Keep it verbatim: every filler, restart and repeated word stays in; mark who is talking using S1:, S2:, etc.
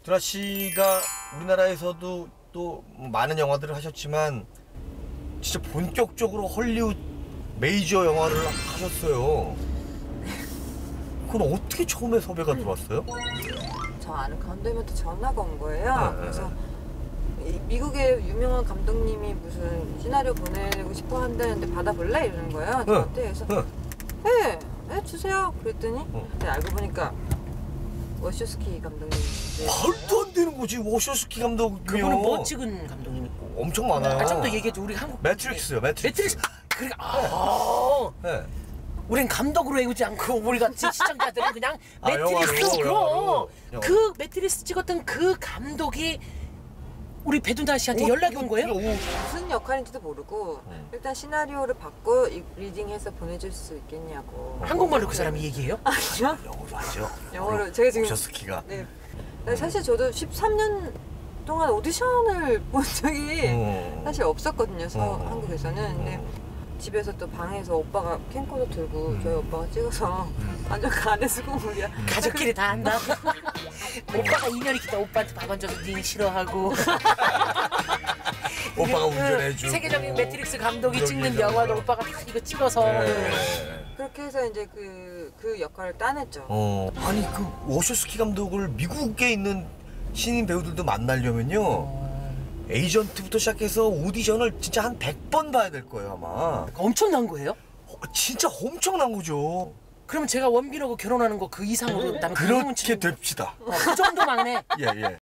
S1: 드라 씨가 우리나라에서도 또 많은 영화들을 하셨지만 진짜 본격적으로 헐리우드 메이저 영화를 하셨어요. 그건 어떻게 처음에 섭외가 들어왔어요?
S2: 저 아는 감독님한테 전화가 온 거예요.
S1: 네,
S2: 그래서 이 미국의 유명한 감독님이 무슨 시나리오 보내고 싶어 한다는데 받아볼래? 이러는 거예요. 저한테. 그래서
S1: 네.
S2: 네, 네 주세요. 그랬더니
S1: 어.
S2: 근데 알고 보니까 워쇼스키 감독님.
S1: 말도 안 되는 거지. 워쇼스키 감독이요.
S3: 그분은 뭐 찍은 감독님이?
S1: 엄청 많아요.
S3: 아, 좀 더 얘기해줘. 우리 한국
S1: 매트릭스요. 매트릭스.
S3: 매트릭스. 그래. 아.
S1: 네.
S3: 우린 감독으로 외우지 않고 우리 같이 시청자들은 그냥
S1: 아,
S3: 매트릭스.
S1: 영화로,
S3: 그럼
S1: 영화로.
S3: 그 매트릭스 찍었던 그 감독이 우리 배두나 씨한테
S1: 어,
S3: 연락이 온 거예요?
S1: 오.
S2: 무슨 역할인지도 모르고
S1: 음.
S2: 일단 시나리오를 받고 이- 리딩해서 보내줄 수 있겠냐고.
S3: 한국말로 그 사람이 얘기해요?
S2: 아니요.
S1: 영어로 하죠.
S2: 영어로 제가 지금
S1: 워쇼스키가.
S2: 네. 근데 사실 저도 십삼 년 동안 오디션을 본 적이
S1: 어.
S2: 사실 없었거든요. 서
S1: 어.
S2: 한국에서는. 근데
S1: 어.
S2: 집에서 또 방에서 오빠가 캠코더 들고
S1: 음.
S2: 저희 오빠가 찍어서
S1: 음.
S2: 완전 간의 수고물이야.
S3: 가족끼리 다 한다. 오빠가 인연이 깊다. 오빠한테 밥 얹어서 니 싫어하고.
S1: 오빠가
S3: 그
S1: 운전해주고.
S3: 세계적인 매트릭스 감독이 찍는
S1: 운전기사가.
S3: 영화도 오빠가 다 이거 찍어서.
S1: 네.
S2: 그렇게 해서 이제 그, 그 역할을 따냈죠.
S1: 어. 아니 그 워쇼스키 감독을 미국에 있는 신인 배우들도 만나려면요. 에이전트부터 시작해서 오디션을 진짜 한 백 번 봐야 될 거예요 아마.
S3: 엄청난 거예요?
S1: 어, 진짜 엄청난 거죠.
S3: 그러면 제가 원빈하고 결혼하는 거 그 이상으로 나면
S1: 그렇게 됩시다.
S3: 그 정도만 해.
S1: 예 예.